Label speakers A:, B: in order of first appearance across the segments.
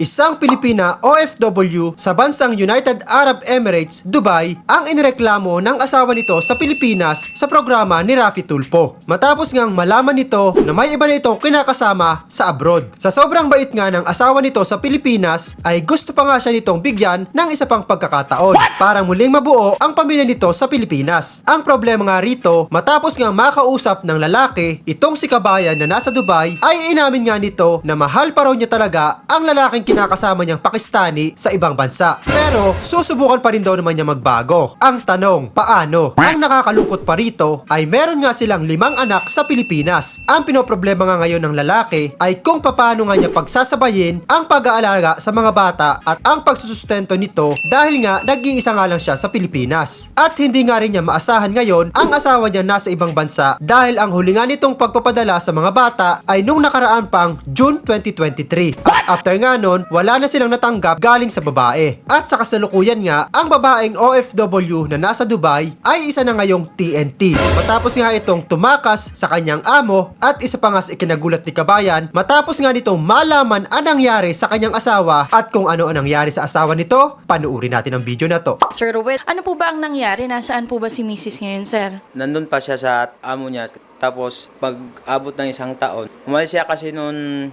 A: Isang Pilipina OFW sa bansang United Arab Emirates, Dubai, ang inireklamo ng asawa nito sa Pilipinas sa programa ni Raffy Tulfo. Matapos ngang malaman nito na may iba na itong kinakasama sa abroad. Sa sobrang bait nga ng asawa nito sa Pilipinas, ay gusto pa nga siya nitong bigyan ng isa pang pagkakataon para muling mabuo ang pamilya nito sa Pilipinas. Ang problema nga rito, matapos nga makausap ng lalaki, itong si Kabayan na nasa Dubai, ay inamin nga nito na mahal pa raw niya talaga ang lalaking kinakasama niyang Pakistani sa ibang bansa. Pero susubukan pa rin daw naman niya magbago. Ang tanong, paano? Ang nakakalungkot pa rito ay meron nga silang 5 anak sa Pilipinas. Ang pinoproblema nga ngayon ng lalaki ay kung paano nga niya pagsasabayin ang pag-aalaga sa mga bata at ang pagsusustento nito dahil nga nag-iisa nga lang siya sa Pilipinas. At hindi nga rin niya maasahan ngayon ang asawa niya nasa ibang bansa dahil ang huli nga nitong pagpapadala sa mga bata ay nung nakaraan pang June 2023. At after nga nun, wala na silang natanggap galing sa babae. At sa kasalukuyan nga, ang babaeng OFW na nasa Dubai ay isa na ngayong TNT. Matapos nga itong tumakas sa kanyang amo at isa pa nga sa ikinagulat ni Kabayan matapos nga nitong malaman ang nangyari sa kanyang asawa at kung ano ang nangyari sa asawa nito, panuuri natin ang video na to.
B: Sir Ruel, ano po ba ang nangyari? Nasaan po ba si Mrs. ngayon, sir?
C: Nandun pa siya sa amo niya. Tapos, pag-abot ng isang taon, umalis siya kasi noon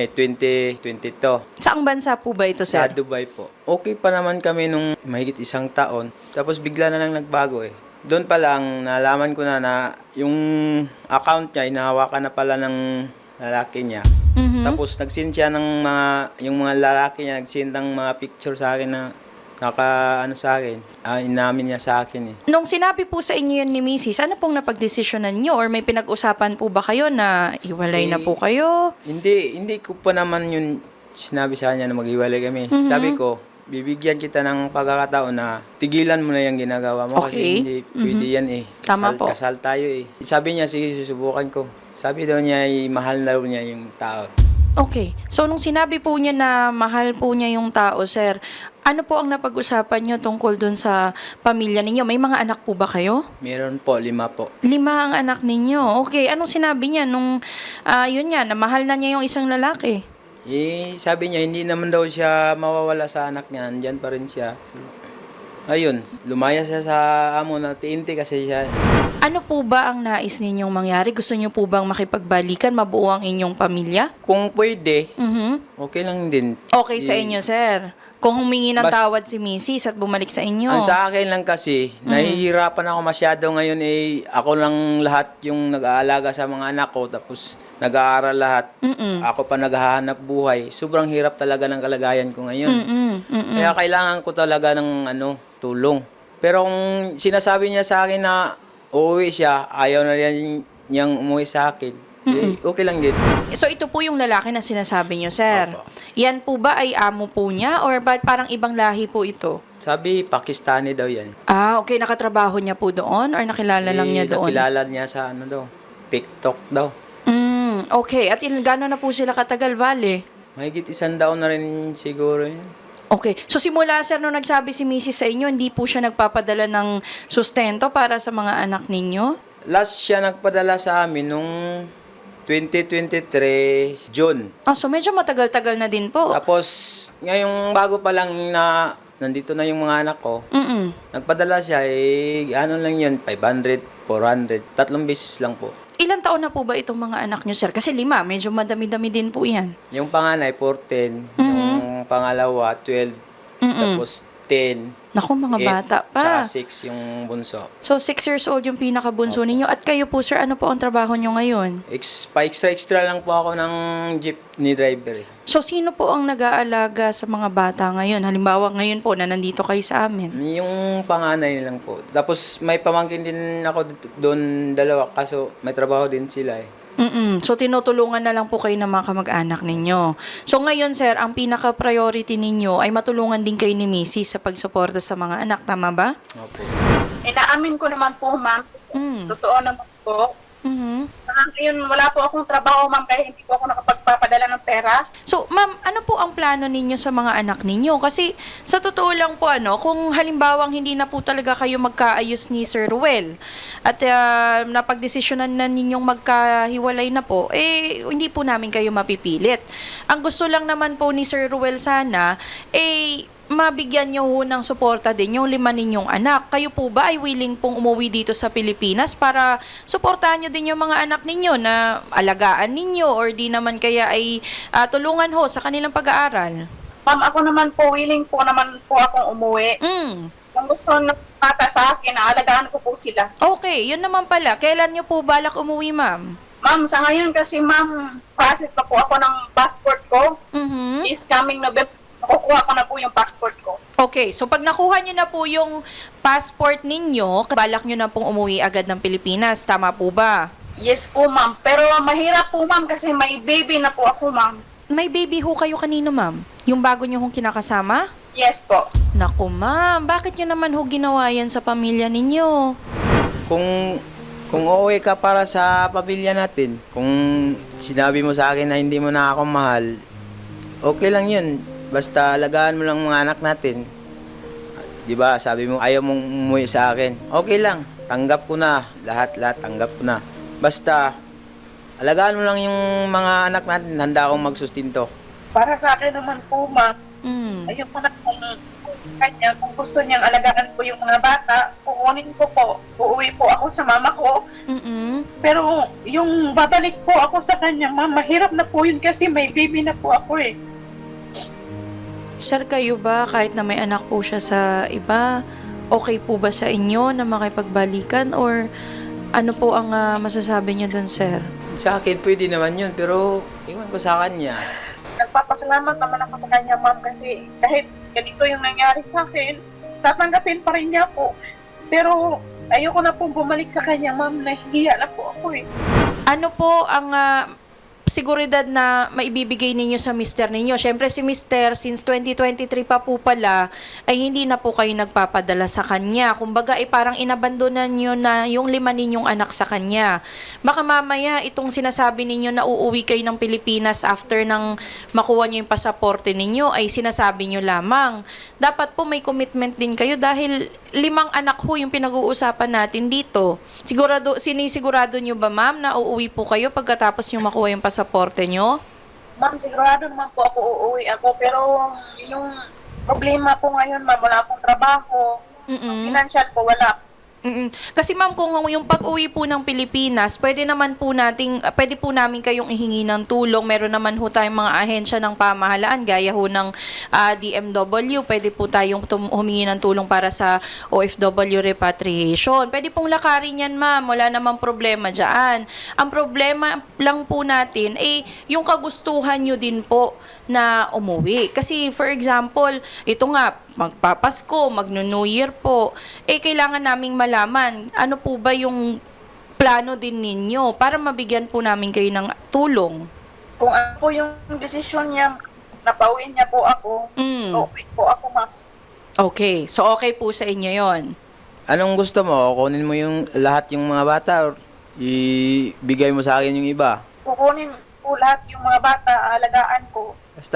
C: 2022.
B: Saang bansa po ba ito,
C: Sa
B: sir?
C: Dubai po. Okay pa naman kami nung mahigit isang taon. Tapos, bigla na lang nagbago eh. Doon pa lang, nalaman ko na yung account niya, inahawakan na pala ng lalaki niya.
B: Mhm.
C: Tapos, nag-send siya ng yung mga lalaki niya, nag-send ng mga picture sa akin na sa akin. Inamin niya sa akin eh.
B: Nung sinabi po sa inyo yun ni Mrs., ano pong napagdesisyonan nyo? Or may pinag-usapan po ba kayo na iwalay na po kayo?
C: Hindi ko pa naman yun sinabi sa kanya na maghiwalay kami.
B: Mhm.
C: Sabi ko, bibigyan kita ng pagkakataon na tigilan mo na yung ginagawa mo
B: Okay.
C: kasi hindi pwede yan eh.
B: Tama po.
C: Kasal tayo eh. Sabi niya, sige, susubukan ko. Sabi daw niya, mahal na daw niya yung tao.
B: Okay. So, nung sinabi po niya na mahal po niya yung tao, sir, ano po ang napag-usapan nyo tungkol dun sa pamilya ninyo? May mga anak po ba kayo?
C: Meron po, 5 po.
B: 5 ang anak ninyo. Okay. Anong sinabi niya nung, yun nga, na mahal na niya yung isang lalaki?
C: Sabi niya, hindi naman daw siya mawawala sa anak niya. Andyan pa rin siya. Ayun, lumaya siya sa amo na TNT kasi siya.
B: Ano po ba ang nais ninyong mangyari? Gusto niyo po bang makipagbalikan, mabuo ang inyong pamilya?
C: Kung pwede,
B: Mhm.
C: okay lang din.
B: Okay sa inyo, sir. Kung humingi ng
C: Bas-
B: tawad si Mrs. at bumalik sa inyo.
C: Ang sa akin lang kasi, nahihirapan ako masyado ngayon eh, ako lang lahat yung nag-aalaga sa mga anak ko, tapos nag-aaral lahat.
B: Mm-mm.
C: Ako pa naghahanap buhay. Sobrang hirap talaga ng kalagayan ko ngayon.
B: Mm-mm. Mm-mm.
C: Kaya kailangan ko talaga ng tulong. Pero kung sinasabi niya sa akin na uuwi siya, ayaw na rin niyang umuwi sa akin, okay lang din.
B: So, ito po yung lalaki na sinasabi niyo, sir.
C: Opo.
B: Yan po ba ay amo po niya or ba parang ibang lahi po ito?
C: Sabi, Pakistani daw yan.
B: Okay. Nakatrabaho niya po doon or nakilala lang niya doon?
C: Nakilala niya sa TikTok daw.
B: Okay. At gano'n na po sila katagal, bale?
C: Mahigit 1 taon na rin siguro yun.
B: Okay. So, simula, sir, nung nagsabi si Mrs. sa inyo, hindi po siya nagpapadala ng sustento para sa mga anak ninyo?
C: Last siya nagpadala sa amin nung 2023 June.
B: So medyo matagal-tagal na din po.
C: Tapos ngayong bago pa lang na nandito na yung mga anak ko,
B: Mm-mm.
C: nagpadala siya ano lang yun, 500, 400, 3 beses lang po.
B: Ilan taon na po ba itong mga anak nyo, sir? Kasi 5, medyo madami-dami din po yan.
C: Yung panganay 14, yung pangalawa 12, tapos 10.
B: Naku, mga
C: 8,
B: bata pa.
C: Tsaka 6 yung bunso.
B: So, 6 years old yung pinakabunso ninyo. At kayo po, sir, ano po ang trabaho nyo ngayon?
C: Pa-extra lang po ako ng jeepney driver.
B: So, sino po ang nag-aalaga sa mga bata ngayon? Halimbawa, ngayon po na nandito kayo sa amin.
C: Yung panganay lang po. Tapos may pamangkin din ako doon 2, kaso may trabaho din sila eh.
B: So, tinutulungan na lang po kayo ng mga kamag-anak ninyo. So, ngayon, sir, ang pinaka-priority ninyo ay matulungan din kayo ni Mrs. sa pagsuporta sa mga anak. Tama ba?
C: Opo.
D: Inaamin ko naman po, ma'am. Totoo naman po.
B: Mhm.
D: Sa Ngayon, wala po akong trabaho, ma'am, kaya hindi po ako nakapagpapadala ng pera.
B: So, ma'am, ano po ang plano ninyo sa mga anak ninyo? Kasi sa totoo lang po, kung halimbawang hindi na po talaga kayo magkaayos ni Sir Ruel at napagdesisyonan na ninyong magkahiwalay na po, hindi po namin kayo mapipilit. Ang gusto lang naman po ni Sir Ruel sana, mabigyan nyo ho ng suporta din yung 5 ninyong anak. Kayo po ba ay willing pong umuwi dito sa Pilipinas para suportahan nyo din yung mga anak ninyo na alagaan ninyo or di naman kaya ay tulungan ho sa kanilang pag-aaral?
D: Ma'am, ako naman po, willing po naman po akong umuwi. Kung gusto ng bata sa akin, naalagaan ko po sila.
B: Okay, yun naman pala. Kailan nyo po balak umuwi, ma'am?
D: Ma'am, sa ngayon kasi, ma'am, process pa po ako ng passport ko. Is coming November. Nakukuha ko na po yung passport ko.
B: Okay, so pag nakuha nyo na po yung passport ninyo, balak nyo na pong umuwi agad ng Pilipinas. Tama po ba?
D: Yes po, ma'am. Pero mahirap po, ma'am, kasi may baby na po ako, ma'am.
B: May baby ho kayo kanino, ma'am? Yung bago nyo hong kinakasama?
D: Yes po.
B: Naku, ma'am, bakit nyo naman ho ginawa yan sa pamilya ninyo?
C: Kung uuwi ka para sa pamilya natin, kung sinabi mo sa akin na hindi mo na ako mahal, okay lang yun. Basta alagaan mo lang mga anak natin. Di ba? Sabi mo ayaw mong umuwi sa akin. Okay lang. Tanggap ko na. Lahat tanggap ko na. Basta alagaan mo lang yung mga anak natin. Handa akong magsustinto.
D: Para sa akin naman po, ma'am, ayun po na kung sa kanya, kung gusto niyang alagaan po yung mga bata, kukunin ko po. Uuwi po ako sa mama ko. Pero yung babalik po ako sa kanya, ma'am, mahirap na po yun kasi may baby na po ako eh.
B: Sir, kayo ba, kahit na may anak po siya sa iba, okay po ba sa inyo na makipagbalikan or ano po ang masasabi niyo doon, sir?
C: Sa akin pwede naman yun, pero iwan ko sa kanya.
D: Nagpapasalamat naman ako sa kanya, ma'am, kasi kahit ganito yung nangyari sa akin, tatanggapin pa rin niya po. Pero ayoko na pong bumalik sa kanya, ma'am, nahihiya na po ako eh.
B: Ano po ang seguridad na maibibigay ninyo sa mister ninyo? Siyempre si mister, since 2023 pa po pala, ay hindi na po kayo nagpapadala sa kanya. Kumbaga, parang inabandonan nyo na yung 5 ninyong anak sa kanya. Baka mamaya, itong sinasabi ninyo na uuwi kayo ng Pilipinas after nang makuha nyo yung pasaporte ninyo, ay sinasabi nyo lamang. Dapat po may commitment din kayo dahil 5 anak ho yung pinag-uusapan natin dito. Sinisigurado nyo ba, ma'am, na uuwi po kayo pagkatapos yung makuha yung pasaporte nyo?
D: Ma'am, sigurado naman po ako uuwi ako, pero yung problema po ngayon, ma'am, wala akong trabaho. Financial po, wala.
B: Kasi ma'am, kung yung pag-uwi po ng Pilipinas, pwede po namin kayong ihingi ng tulong. Meron naman ho tayong mga ahensya ng pamahalaan, gaya ho ng DMW. Pwede po tayong humingi ng tulong para sa OFW repatriation. Pwede pong lakarin yan, ma'am. Wala namang problema dyan. Ang problema lang po natin yung kagustuhan nyo din po na umuwi. Kasi for example, ito nga, magpapasko, magno-New Year po, kailangan naming malaman ano po ba yung plano din ninyo para mabigyan po namin kayo ng tulong.
D: Kung ano po yung desisyon niya, napauwi niya po ako, okay po ako, ma'am.
B: Okay, so okay po sa inyo yon.
C: Anong gusto mo? Kunin mo yung lahat yung mga bata or ibigay mo sa akin yung iba?
D: Kukunin po lahat yung mga bata, alagaan ko.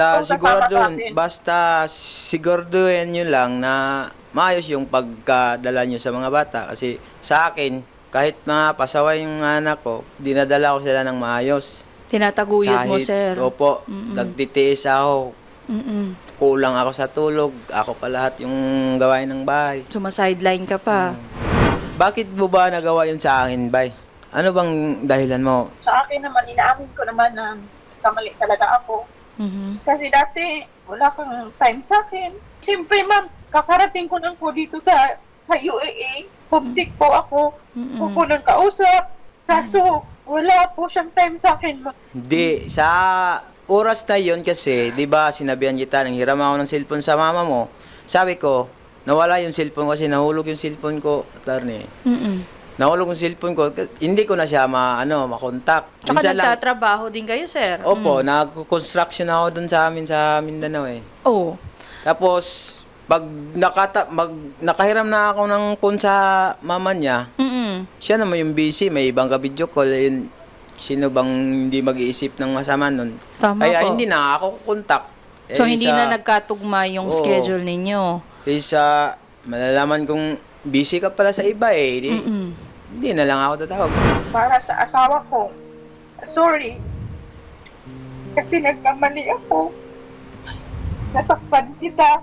C: Basta siguraduhin nyo lang na maayos yung pagkadala nyo sa mga bata. Kasi sa akin, kahit mga pasaway yung anak ko, dinadala ko sila ng maayos.
B: Tinataguyod mo, sir.
C: Opo, nagtitiis ako. Kulang ako sa tulog. Ako pa lahat yung gawain ng bahay.
B: Sumasideline ka pa.
C: Bakit mo ba nagawa yun sa akin, bay? Ano bang dahilan mo?
D: Sa akin naman, inaamin ko naman na kamali talaga ako. Kasi dati, wala kang time sa akin. Siyempre, ma'am, kakarating ko lang po dito sa UAE. Homesick po ako. Po nang kausap. Kaso, wala po siyang time sa akin, ma'am.
C: Hindi, sa oras na yun kasi, di ba, sinabihan kita, nang hiram ako ng cellphone sa mama mo. Sabi ko, nawala yung cellphone ko kasi nahulog yung cellphone ko, attorney. Nahulog yung cellphone ko, hindi ko na siya makontak.
B: Tsaka nagtatrabaho din kayo, sir.
C: Opo, nag-construction ako dun sa amin sa Mindanao eh.
B: Oo.
C: Tapos, pag nakahiram na ako ng phone sa mama niya, siya naman yung busy, may ibang ka-video call. Yun, sino bang hindi mag-iisip ng masama nun?
B: Tama
C: Kaya
B: po.
C: hindi na ako kontak.
B: So, hindi na nagkatugma yung
C: Oo.
B: schedule ninyo.
C: Kaysa malalaman kong busy ka pala sa iba hindi na lang ako tatawag.
D: Para sa asawa ko, sorry. Kasi nagkamali ako. Nasaktan kita.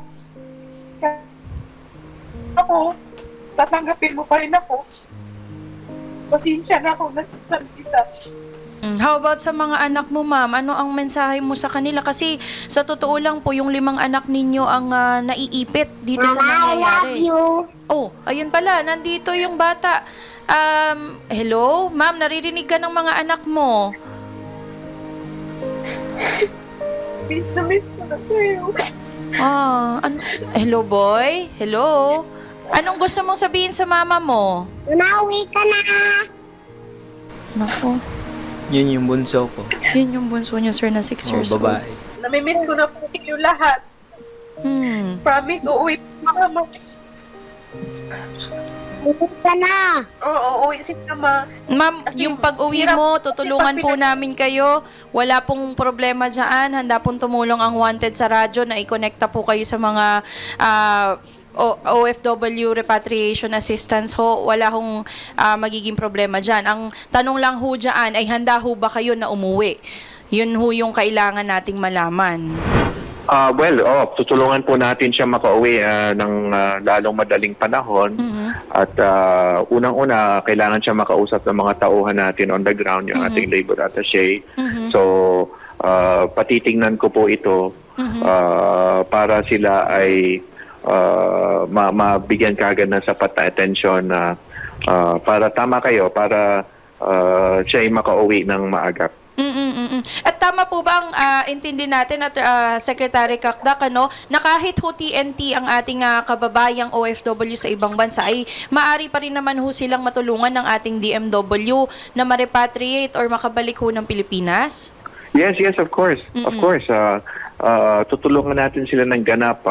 D: Ako, tatanggapin mo pa rin ako. Pasensya na ako, nasaktan kita.
B: How about sa mga anak mo, ma'am? Ano ang mensahe mo sa kanila? Kasi sa totoo lang po, yung 5 anak ninyo ang naiipit dito sa nangyayari. Oh, ayun pala, nandito yung bata. Hello? Ma'am, naririnig ka ng mga anak mo.
D: Miss ko na kayo.
B: Hello, boy? Hello? Anong gusto mong sabihin sa mama mo?
E: Umawi ka na!
B: Nako,
C: Yun yung bunso ko.
B: yun yung bunso niyo, sir, na 6 years old.
C: Babae.
D: Namimiss ko na po kayo lahat. Promise, uuwi po mama.
E: Uwi ka na!
D: Oo, uuwi si mama.
B: Ma'am, yung pag-uwi mo, tutulungan po namin kayo. Wala pong problema dyan. Handa pong tumulong ang Wanted sa radyo na i-connecta po kayo sa mga OFW repatriation assistance ho. Wala hong magiging problema dyan. Ang tanong lang ho dyan ay handa ho ba kayo na umuwi? Yun ho yung kailangan nating malaman.
F: Tutulungan po natin siya makauwi ng lalong madaling panahon. At unang-una, kailangan siya makausap ng mga tauhan natin on the ground, yung ating labor attaché. So, patitingnan ko po ito para sila ay mabigyan kagad ng sapat na atensyon para tama kayo, para siya ay makauwi ng maagap.
B: At tama po ba ang intindi natin at Secretary Kakdak, na kahit ho TNT ang ating kababayang OFW sa ibang bansa ay maari pa rin naman ho silang matulungan ng ating DMW na ma-repatriate or makabalik ho ng Pilipinas?
F: Yes, of course. Of course. Tutulungan natin sila ng ganap.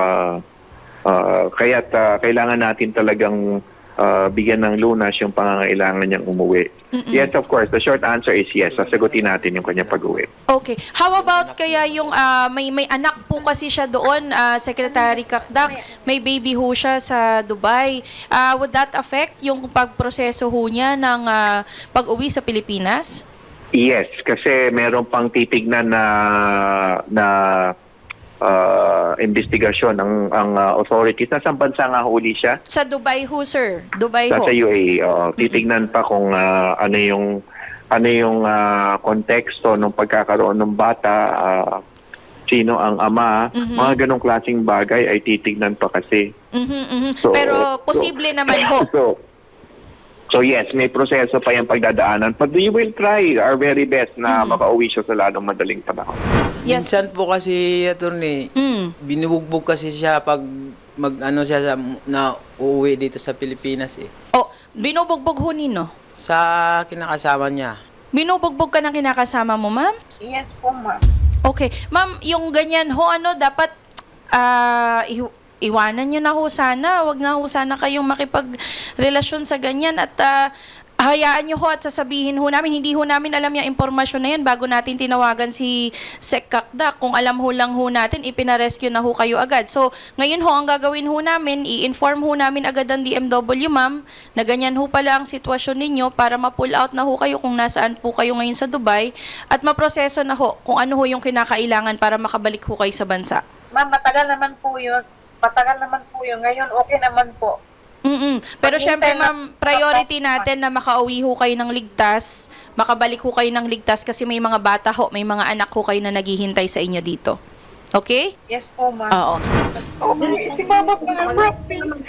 F: Kaya't kailangan natin talagang bigyan ng lunas yung pangangailangan niyang umuwi. Yes, of course. The short answer is yes. Sasagutin natin yung kanyang pag-uwi.
B: Okay. How about kaya yung may anak po kasi siya doon, Secretary Kakdak, may baby ho siya sa Dubai. Would that affect yung pagproseso ho niya ng pag-uwi sa Pilipinas?
F: Yes, kasi meron pang titignan na investigasyon ang authorities. Nasa bansa nga huli siya?
B: Sa Dubai ho, sir. Dubai ho.
F: Sa UAE. Titignan pa kung ano yung konteksto ng pagkakaroon ng bata, sino ang ama, mga ganong klaseng bagay ay titignan pa kasi. So,
B: pero posible naman ho.
F: So yes, may proseso pa yung pagdadaanan. But we will try our very best na makauwi siya sa lalong madaling panahon.
B: Yes.
C: Minsan po kasi, attorney, binubugbog kasi siya pag siya na uuwi dito sa Pilipinas
B: Oh, binubugbog ho nino?
C: Sa kinakasama niya.
B: Binubugbog ka ng kinakasama mo, ma'am?
D: Yes po, ma'am.
B: Okay. Ma'am, yung ganyan ho, dapat iwanan nyo na ho sana. Huwag na ho sana kayong makipagrelasyon sa ganyan at hayaan nyo ho at sasabihin ho namin. Hindi ho namin alam yung impormasyon na yan bago natin tinawagan si Sec Kakdak. Kung alam ho lang ho natin, ipinarescue na ho kayo agad. So, ngayon ho, ang gagawin ho namin, i-inform ho namin agad ang DMW, ma'am, na ganyan ho pala ang sitwasyon ninyo para ma-pull out na ho kayo kung nasaan po kayo ngayon sa Dubai at maproseso na ho kung ano ho yung kinakailangan para makabalik ho kayo sa bansa.
D: Ma'am, matagal naman po yun. Ngayon, okay naman po.
B: Pero syempre, ma'am, priority natin na makauwi ho kayo ng ligtas, makabalik ho kayo ng ligtas kasi may mga bata ho, may mga anak ho kayo na naghihintay sa inyo dito. Okay?
D: Yes po, ma'am.
B: Oo.
D: Okay, si mama po ng province.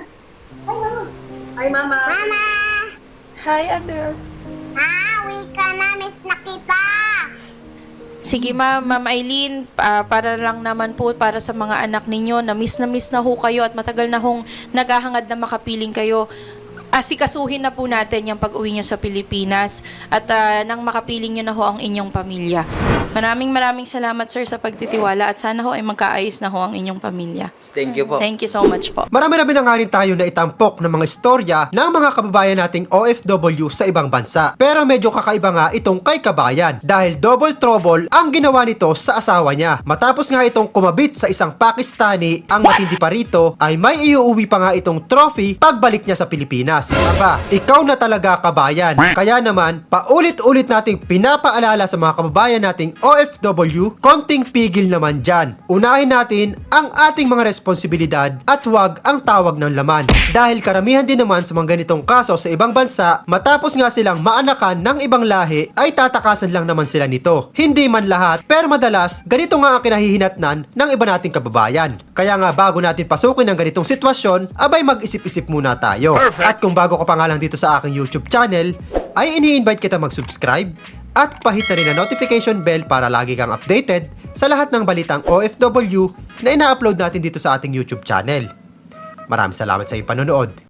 D: Hi, mama.
E: Mama!
D: Hi, Adele.
E: Uwi ka na! Miss na kita!
B: Sige Ma'am Eileen, para lang naman po para sa mga anak ninyo na miss na ho kayo at matagal na hong naghahangad na makapiling kayo. Asikasuhin na po natin yung pag-uwi nyo sa Pilipinas at nang makapiling nyo na ho ang inyong pamilya. Maraming salamat sir sa pagtitiwala at sana ho ay magkaayos na ho ang inyong pamilya.
C: Thank you po.
B: Thank you so much po.
A: Marami-rami na nga rin tayo na itampok ng mga istorya ng mga kababayan nating OFW sa ibang bansa. Pero medyo kakaiba nga itong kay Kabayan dahil double trouble ang ginawa nito sa asawa niya. Matapos nga itong kumabit sa isang Pakistani, ang matindi pa rito ay may iuuwi pa nga itong trophy pagbalik niya sa Pilipinas. Aba, ikaw na talaga Kabayan. Kaya naman, paulit-ulit nating pinapaalala sa mga kababayan nating OFW, konting pigil naman dyan. Unahin natin ang ating mga responsibilidad at wag ang tawag ng laman. Dahil karamihan din naman sa mga ganitong kaso sa ibang bansa, matapos nga silang maanakan ng ibang lahi, ay tatakasan lang naman sila nito. Hindi man lahat, pero madalas, ganito nga ang kinahihinatnan ng iba nating kababayan. Kaya nga bago natin pasukin ang ganitong sitwasyon, abay mag-isip-isip muna tayo. At kung bago ka pa nga lang dito sa aking YouTube channel, ay ini-invite kita mag-subscribe at pahit na rin ang notification bell para lagi kang updated sa lahat ng balitang OFW na ina-upload natin dito sa ating YouTube channel. Maraming salamat sa iyong panonood.